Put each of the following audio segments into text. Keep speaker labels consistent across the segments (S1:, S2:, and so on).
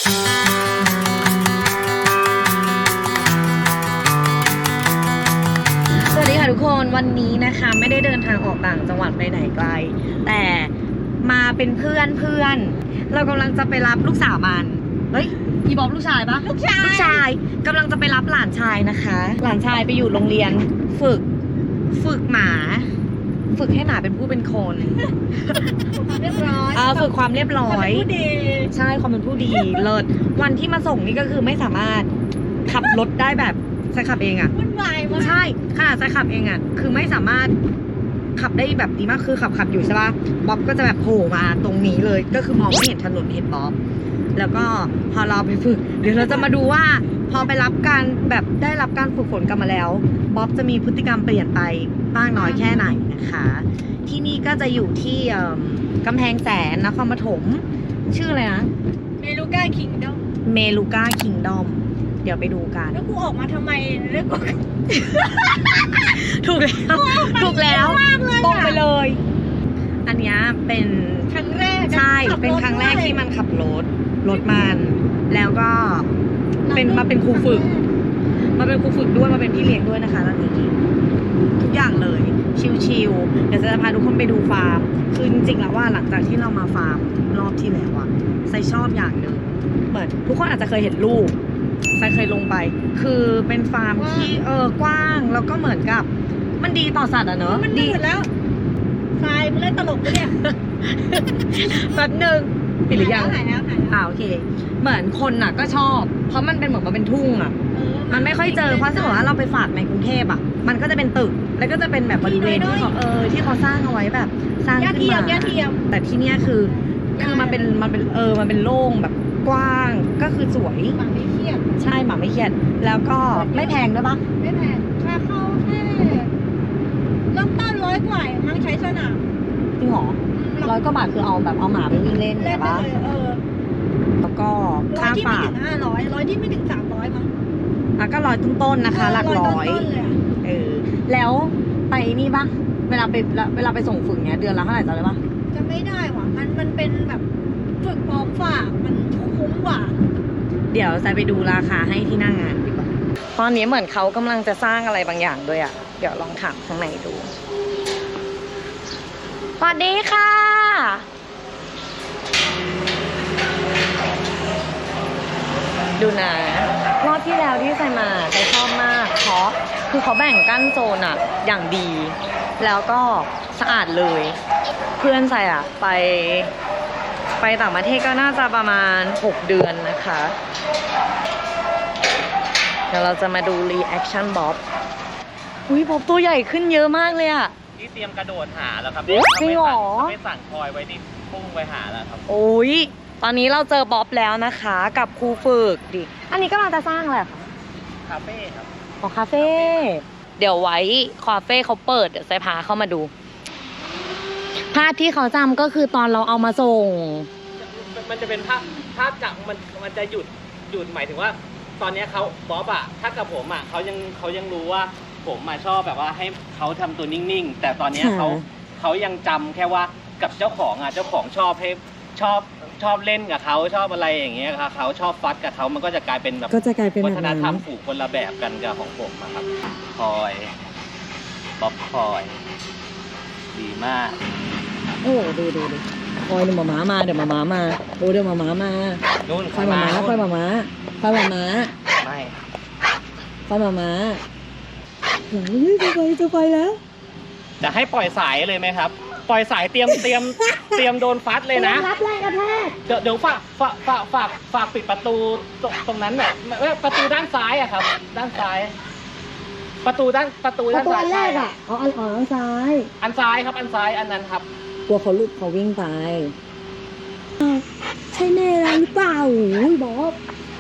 S1: สวัสดีค่ะทุกคนวันนี้นะคะไม่ได้เดินทางออกต่างจังหวัดไปไหนไกลแต่มาเป็นเพื่อนเรากำลังจะไปรับลูกสาวมันเฮ้ยอีบอบลูกชายปะลูกชายกำลังจะไปรับหลานชายนะคะ หลานชายไปอยู่โรงเรียนฝึกหมาฝึกให้หมาเป็นผู้เป็นคน
S2: เรียบร้อย
S1: ฝึกความเรียบร้อย
S2: ผู้ดี
S1: ใช่ความเป็นผู้ดีเลิศวันที่มาส่งนี่ก็คือไม่สามารถขับรถได้แบบใช้ขับเองอะ
S2: วุ่นวายมาก
S1: ใช่ขนาดใช้ขับเองอะคือไม่สามารถขับได้แบบดีมากคือขับอยู่ใช่ป่ะบ๊อบก็จะแบบโผล่มาตรงนี้เลยก็คือมองไม่เห็นถนนเห็นบ๊อบแล้วก็พอเราไปฝึกเดี๋ยวเราจะมาดูว่าพอไปรับการแบบได้รับการฝึกฝนกันมาแล้วบ๊อบจะมีพฤติกรรมเปลี่ยนไปบ้างน้อยแค่ไหนนะคะที่นี่ก็จะอยู่ที่กำแพงแสนนครปฐมชื่ออะไรนะ
S2: เมลูก้าคิงดอม
S1: เมลูก้าคิงดอมเดี๋ยวไปดูกัน
S2: แล้วกูออกมาทำไมเรื่องกู
S1: ถูกแล้วตรงไปเลยอันนี้เป็น
S2: ครั้งแรก
S1: ใช่เป็นครั้งแรกที่มันขับรถมันแล้วก็มาเป็นครูฝึกด้วยมาเป็นพี่เลี้ยงด้วยนะคะตอนนี้ทุกอย่างเลยชิลๆเดี๋ยวจะพาทุกคนไปดูฟาร์มคือจริงๆแล้วว่าหลังจากที่เรามาฟาร์มรอบที่แล้วอะไซชอบอย่างหนึ่งเหมือนทุกคนอาจจะเคยเห็นรูปไซเคยลงไปคือเป็นฟาร์มที่กว้างแล้วก็เหมือนกับมันดีต่อสัตว์อะเนอะ
S2: มันดีแล้วทรายมันเล่นตลกด้วยเนี่ย
S1: แป๊บนึงปิดหรือยัง
S2: หายแล้ว
S1: โอเคเหมือนคนน่ะก็ชอบเพราะมันเป็นเหมือนมันเป็นทุ่งอ่ะมันไม่ค่อยเจอเพราะสมมติว่าเราไปฝากในกรุงเทพอ่ะมันก็จะเป็นตึกแล้วก็จะเป็นแบบบริเวณที่เขาที่เขาสร้างเอาไว้แบบสร้างขึ้นมาแต่ที่เนี้ยคือมันเป็นโล่งแบบกว้างก็คือสวย
S2: หมาไม่เครียด
S1: ใช่หมาไม่เครียดแล้วก็ไม่แพงด้วยปะ
S2: ไม่แพงค่าเข้าแค่เริ่มต้น100 กว่ามั้งใช้สนาม
S1: จริงหรอ100 กว่าบาทคือเอาแบบเอาหมาไปวิ่งเล่นใช่ปะแล้วก็ค่าฝาก
S2: 100ที่ไม่ถึง300มั้ง
S1: ก็100ต้นๆนะคะหลักร้อยแล้วไปนี่ปะเวลาไปส่งฝึกเนี้ยเดือนละเท่าไหร่จำได้ปะ
S2: จะไม่ได้ว่ะมันเป็นแบบฝึกพร้อมฝากมันคุ้มกว่า
S1: เดี๋ยวจะไปดูราคาให้ที่หน้างานดีกว่าตอนนี้เหมือนเขากำลังจะสร้างอะไรบางอย่างด้วยอ่ะเดี๋ยวลองถามข้างในดูสวัสดีค่ะดูนะรอบที่แล้วที่ใส่มาใส่ชอบมากเพราะคือเขาแบ่งกั้นโซนอะอย่างดีแล้วก็สะอาดเลยเพื่อนใส่อะไปต่างประเทศก็น่าจะประมาณ6 เดือนนะคะเดี๋ยวเราจะมาดูรีแอคชั่นบ๊อบบ๊อบตัวใหญ่ขึ้นเยอะมากเลยอะ
S3: นี่เตรียมกระโดดหาแล้วครับ
S1: จริงเหรอ
S3: ไม่สั่งคอยไว้ที่พุ่งไปหาแล้วครับ
S1: ตอนนี้เราเจอบ๊อบแล้วนะคะกับครูฝึกดิอันนี้ก็กำลังจะสร้างอะไรคะ
S3: คาเฟ่ครับ
S1: คาเฟ่เดี๋ยวไว้คาเฟ่เขาเปิดเดี๋ยวไซพาเข้ามาดูภาพที่เขาจำก็คือตอนเราเอามาส่ง
S3: มันจะเป็นภาพจากมันจะหยุดหมายถึงว่าตอนนี้เขาบ๊อบอะถ้ากับผมอะเขายังรู้ว่าผมมาชอบแบบว่าให้เขาทำตัวนิ่งๆแต่ตอนนี้เขายังจำแค่ว่ากับเจ้าของอะเจ้าของชอบให้ชอบเล่นกับเขาชอบอะไรอย่างเงี้ยครับเขาชอบฟัดกับเขามันก็จะกลายเป็นแบบวัฒนธรรมผูกคนละแบบกันกับของผมครับคอยบ๊อบคอยดีมาก
S1: ดูคอยเดี๋ยวหมามาเดี๋ยวหมามาดูเดี๋ยวหมามา
S3: นู่น
S1: คอยหมาไม่คอยหมาจะไปแล้ว
S3: จะให้ปล่อยสายเลยไหมครับปล่อยสายเตรียมโดนฟัดเลยนะ
S2: รับแรงกระแทก
S3: เดี๋ยวฝากปิดประตูตรงนั้นแบบประตูด้านซ้ายอะครับด้านซ้ายประตูด้านซ้าย
S2: แรกอะอันซ้าย
S3: ครับอันซ้ายอันนั้นครับ
S1: กลัวเขาลุกเขาวิ่งไปใช่แน่หรือเปล่าบ๊อบ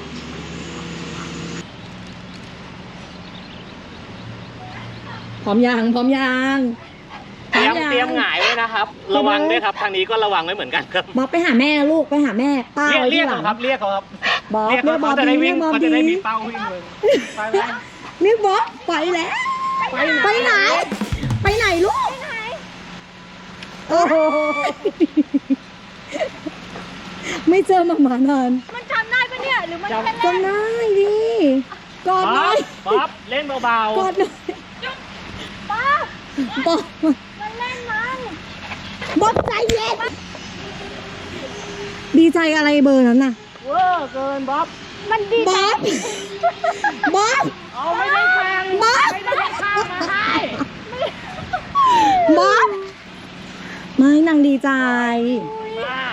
S1: พร้อมยัง
S3: เตรียมหงายไว้นะครับระวังด้วยครับทางนี้ก็ระวังไว้เหมือนกันครับ
S1: บ๊อบไปหาแม่ลูกไปหาแม่ป้า
S3: เรียกเขาครับ
S1: บ๊อบเรียกบ๊อบ
S3: เขาจะได้วิ่งเขาจะได้มีเป้าวิ่งเลยไป
S1: เรียกบ๊อบไปแล้วไปไหนลูกโอ้โหไม่เจอหมานาน
S2: มันจำได้ปะเนี่ยหรือมัน
S3: จำ
S2: แค่
S1: จำได้ดิกอดหน่อย
S3: บ๊อบเล่นเบาก
S1: อดหน่อย
S2: ป้า
S1: บอก
S2: มันเล่นมัน
S1: บ๊อบใจเย็นดีใจอะไรเบอร์นั้นน่ะ
S3: ๆเวอร์เกินบ๊อบ
S2: มันดี
S1: บ๊อบบ๊อบ
S3: เอาไม่ได้แข่ง
S1: บ๊อบ
S3: ไม่ได้ข้ามมาให้
S1: บ๊อบไม่นางดีใจ
S3: มาก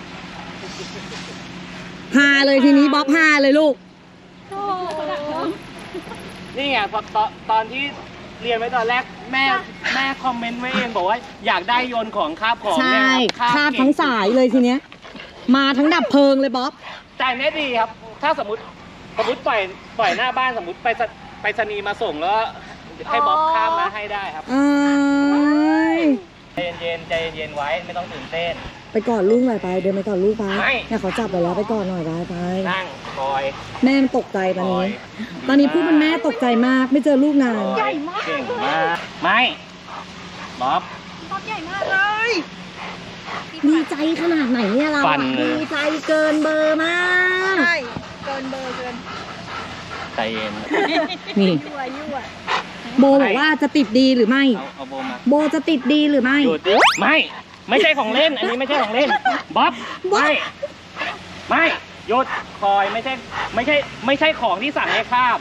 S1: ฮาเลยทีนี้บ๊อบฮาเลยลูก
S2: โอ้
S3: นี่ไงพอตอนที่เรียนไว้ตอนแรกแม่คอมเมนต์ไว้เองบอกว่าอยากได้โยนของคาบของ
S1: ใช่
S3: เนี่ย
S1: คาบทั้งสายเลยทีเนี้ย มาทั้งดับเพลิงเลยบ๊อบ
S3: แต่เนี้ยดีครับ ถ้าสมมติปล่อยหน้าบ้านสมมติไปสนีย์มาส่งแล้วให้บ๊อบข้ามมาให้ได้ครับ
S1: อ้าย
S3: ใจเย็นไว้ไม่ต้องตื่นเต้น
S1: ไปกอดลูกหน่อยไป เดินไปกอดลูกไป
S3: ไม่
S1: เนี่ยเขาจับไปแล้วไปกอดหน่อยไป
S3: นั่งคอย
S1: แม่มันตกใจตอน
S3: คอ
S1: นี้
S3: ย
S1: ตอนนี้พูดเป็นแม่ตกใจมาก ไม่เจอลูกนาน
S3: ใหญ่มากเก่งมากไม่บ๊อบ
S2: ป๊อปใหญ่มากเลย
S1: ดีใจขนาดไหนเนี่ยเรา
S3: ฟั
S1: อะ
S3: นเลย
S1: ดีใจเกินเบอร์มาก
S2: ใช่เกินเบอร์เกิน
S3: ใจเย็น
S1: นี่
S2: ยั่ว
S1: โบบอกว่าจะติดดีหรือไม่
S3: เอาโบมา
S1: โบจะติดดีหรือไม่
S3: หยุดดิไม่ใช่ของเล่น อันนี้ไม่ใช่ของเล่นบ๊อบไม่หยุดคอยไม่ใช่ของที่สั่งให้คาบ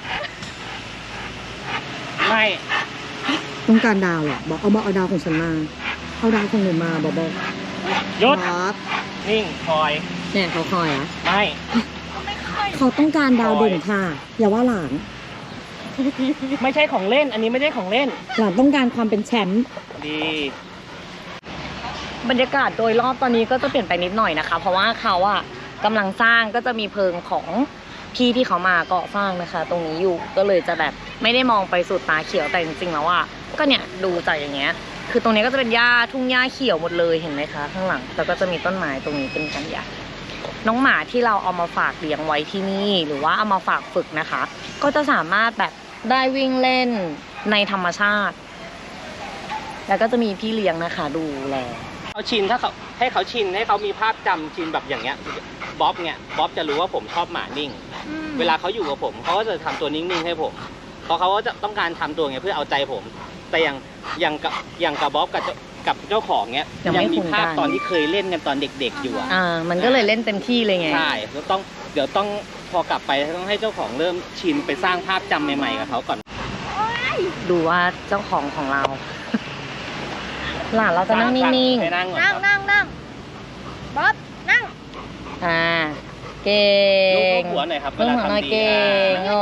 S3: ไม่
S1: ต้องการดาวเหรอบอกเอาดาวของฉันมา เอาดาวของหนูมาบอก
S3: หยุด
S1: ครับ
S3: นิ่งคอย
S1: เนี่ยเขาคอยอ่ะ
S3: ไม่
S2: ไม่ค่อย
S1: เขาต้องการดาวเด่นค่ะ อย่าว่าหลาน
S3: ไม่ใช่ของเล่น อันนี้ไม่ใช่ของเล่น
S1: หลานต้องการความเป็นแชมป์
S3: ดี
S1: บรรยากาศโดยรอบตอนนี้ก็จะเปลี่ยนไปนิดหน่อยนะคะ เพราะว่าเขาอะกำลังสร้างก็จะมีเพิงของพี่ที่เขามาก่อสร้างนะคะ ตรงนี้อยู่ก็เลยจะแบบไม่ได้มองไปสุดตาเขียวแต่จริงๆแล้วอะก็เนี่ยดูจากอย่างเงี้ย คือตรงนี้ก็จะเป็นหญ้าทุ่งหญ้าเขียวหมดเลยเห็นไหมคะ ข้างหลังแล้วก็จะมีต้นไม้ตรงนี้เป็นกันใหญ่น้องหมาที่เราเอามาฝากเลี้ยงไว้ที่นี่หรือว่าเอามาฝากฝึกนะคะ ก็จะสามารถแบบได้วิ่งเล่นในธรรมชาติ แล้วก็จะมีพี่เลี้ยงนะคะดูแล
S3: เขาชินถ้าเขาให้เขาชินให้เขามีภาพจำชินแบบอย่างเงี้ยบ๊อบจะรู้ว่าผมชอบหมานิ่ง เวลาเขาอยู่กับผมเขาก็จะทำตัวนิ่งๆให้ผมเพราะเขาก็จะต้องการทำตัวเงี้ยเพื่อเอาใจผม แต่อย่างกับบ๊อบกับเจ้าของเงี้ย
S1: ยังไม่
S3: มี
S1: คุ้นกัน
S3: ภาพตอนที่เคยเล่นกันตอนเด็กๆอยู่อะ
S1: มันก็เลยเล่นเต็มที่เลยไง
S3: ใช่เดี๋ยวต้องพอกลับไปต้องให้เจ้าของเริ่มชินไปสร้างภาพจำใหม่ๆกับเขาก่อน
S1: ดูว่าเจ้าของของเรา หลานเราจะนั่งนิ่ง
S3: ให้นั่งก่อน
S2: นั่ง
S3: ครับ
S2: นั่งบ๊อบนั่ง
S1: ๆเก่ง
S3: ลูกหัวหน่อยครับ
S1: ลูกหัวหน่อยเก่งโอ้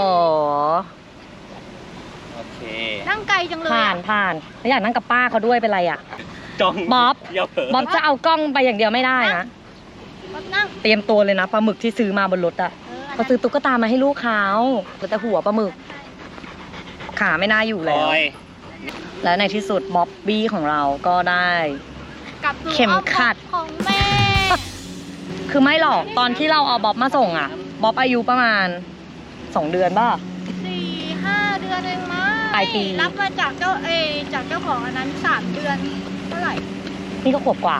S3: โอเค
S2: นั่งไกลจังเลย
S1: ผ่านแล้วอยากนั่งกับป้าเขาด้วยเป็นไรอ่ะ
S3: จอง
S1: บ๊อบ
S3: อย่าเผลอ
S1: บ๊อบจะเอากล้องไปอย่างเดียวไม่ได้นะ
S2: บ๊อบนั่ง
S1: เตรียมตัวเลยนะปลาหมึกที่ซื้อมาบนรถอ่ะเขาซื้อตุ๊กตามาให้ลูกเขาแต่หัวปลาหมึก ขาไม่น่าอยู่
S3: ค
S1: แล้ว
S3: อย
S1: แล้วในที่สุดบ๊อบบี้ของเราก็ได้
S2: กลับสู่
S1: เข็มขัด
S2: อ้อมอกของแม่
S1: คือไม่หรอกตอนที่เราเอาบ๊อบมาส่งอ่ะบ๊อบอายุประมาณ2 เดือนป่ะ
S2: 4-5 เดือนเองมั้ง
S1: ปลายปี
S2: รับมาจากเจ้าของอันนั้น3 เดือนเท่าไหร่
S1: นี่ก็ขวบกว่า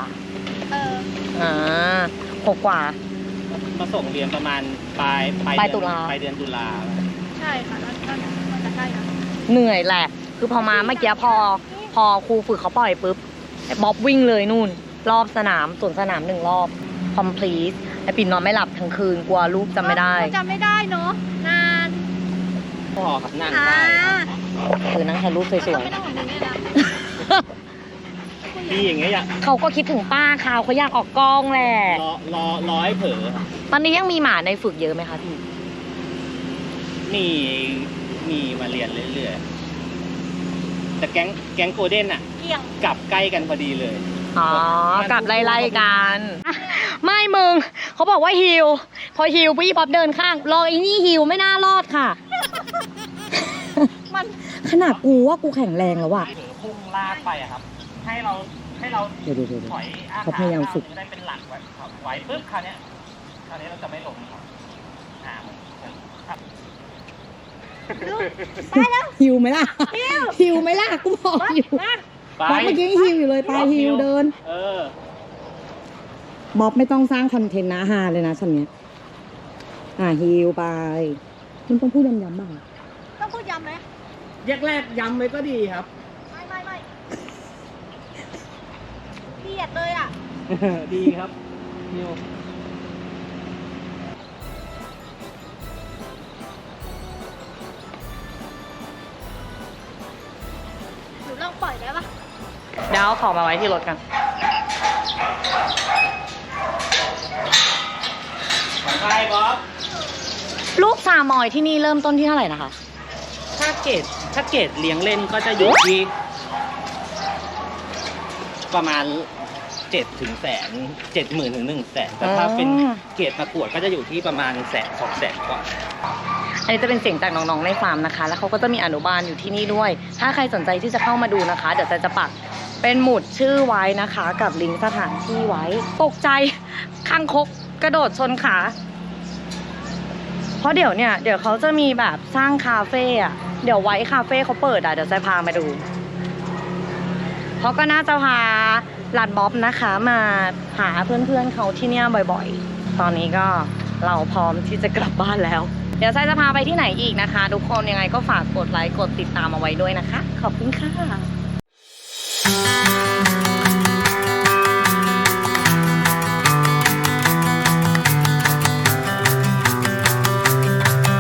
S1: ขวบกว่า
S3: มาส่งเรียนประมาณปลาย
S1: ปลายตุลา
S3: ปลายเดือนตุลา
S2: ใช่ค่ะนั่นจะใกล้นะ
S1: เหนื่อยแหละ คือพอมาเมื่อกี้พอครูฝึกเขาปล่อยปุ๊บไอ้บ๊อบวิ่งเลยนู่น รอบสนามสวนสนาม1 รอบ complete ไอ้ปิ่นนอนไม่หลับทั้งคืนกลัวลูกจำไม่ได้
S2: จำไม่ได้เนาะนาน
S3: พอครับนั่ง
S2: อ่า
S3: ได้
S1: คือนั่งถ่ายรูปสวย
S2: ไม่ต้องของมึงเนี่ยนะ
S3: พี่อย่างเงี้ยอยาก
S1: ๆ เขาก็คิดถึงป้าเขาอยากออกกล้องแหละ
S3: รอให้เผลอ
S1: ตอนนี้ยังมีหมาในฝึกเยอะไหมคะพี่
S3: มีมาเรียนเรื่อยๆแต่แก๊งโกลเด้นอ่ะ
S2: เกี่ยง
S3: กลับใกล้กันพอดีเลย
S1: อ๋อกลับไล่ๆกัน ไม่มึงเขาบอกว่าฮิวพอฮิวพี่ป๊อปเดินข้างรอไอ้นี่ฮิวไม่น่ารอดค่ะ
S2: มัน
S1: ขนาดกูว่ากูแข็งแรงแล้วอะ
S3: ถือพุ่งลากไปอะครับ ให้เรา
S1: เดี๋ยว
S3: ถอย
S1: เขาพยายามฝึก
S3: จะได้เป็นหลักไว้ครับไว้ปุ๊บคราวเนี้ยเราจะไม่ล้มครับครับ
S1: ฮิวไหมล่ะฮิวไหมล่ะกูบอกอยู่
S3: ไป
S1: บ๊อบเมื่อกี้ฮิวอยู่เลยไปฮิวเดิน
S3: เออ
S1: บ๊อบไม่ต้องสร้างคอนเทนต์นะฮาเลยนะฉันเนี้ยฮิวไปมันต้องพูดย้ำๆบ้าง
S2: ต้องพูดย้ำไหม
S3: แรกๆย้ำไว้ก็ดีครับ
S2: ไม่เกลียดเลยอ่ะ
S3: ดีครับนิว
S2: หนูลองปล่อยได้ปะ
S1: เดี๋ยวเอาของมาไว้ที่รถกัน
S3: ใช่บ๊อบ
S1: ลูกซามอยที่นี่เริ่มต้นที่เท่าไหร่นะคะ
S3: ถ้าเกรดเลี้ยงเล่นก็จะอยู่ที่ประมาณ7 ถึงแสน70,000 ถึง 100,000 แต่ถ้าเป็นเกรดประกวดก็จะอยู่ที่ประมาณ100,000-200,000 กว่า
S1: อันนี้จะเป็นเสียงจากน้องๆในฟาร์มนะคะ แล้วเขาก็จะมีอนุบาลอยู่ที่นี่ด้วย ถ้าใครสนใจที่จะเข้ามาดูนะคะ เดี๋ยวจะปักเป็นหมุดชื่อไว้นะคะ กับลิงก์สถานที่ไว้ ตกใจข้างคกกระโดดชนขา เพราะเดี๋ยวเขาจะมีแบบสร้างคาเฟ่อะเดี๋ยวไว้คาเฟ่เขาเปิดอะเดี๋ยวจะพามาดูเขาก็น่าจะพาหลานบ๊อบนะคะมาหาเพื่อนๆเขาที่เนี่ยบ่อยๆ ตอนนี้ก็เราพร้อมที่จะกลับบ้านแล้ว เดี๋ยวไซจะพาไปที่ไหนอีกนะคะ ทุกคนยังไงก็ฝากกดไลค์กดติดตามเอาไว้ด้วยนะคะ ขอบคุณค่ะ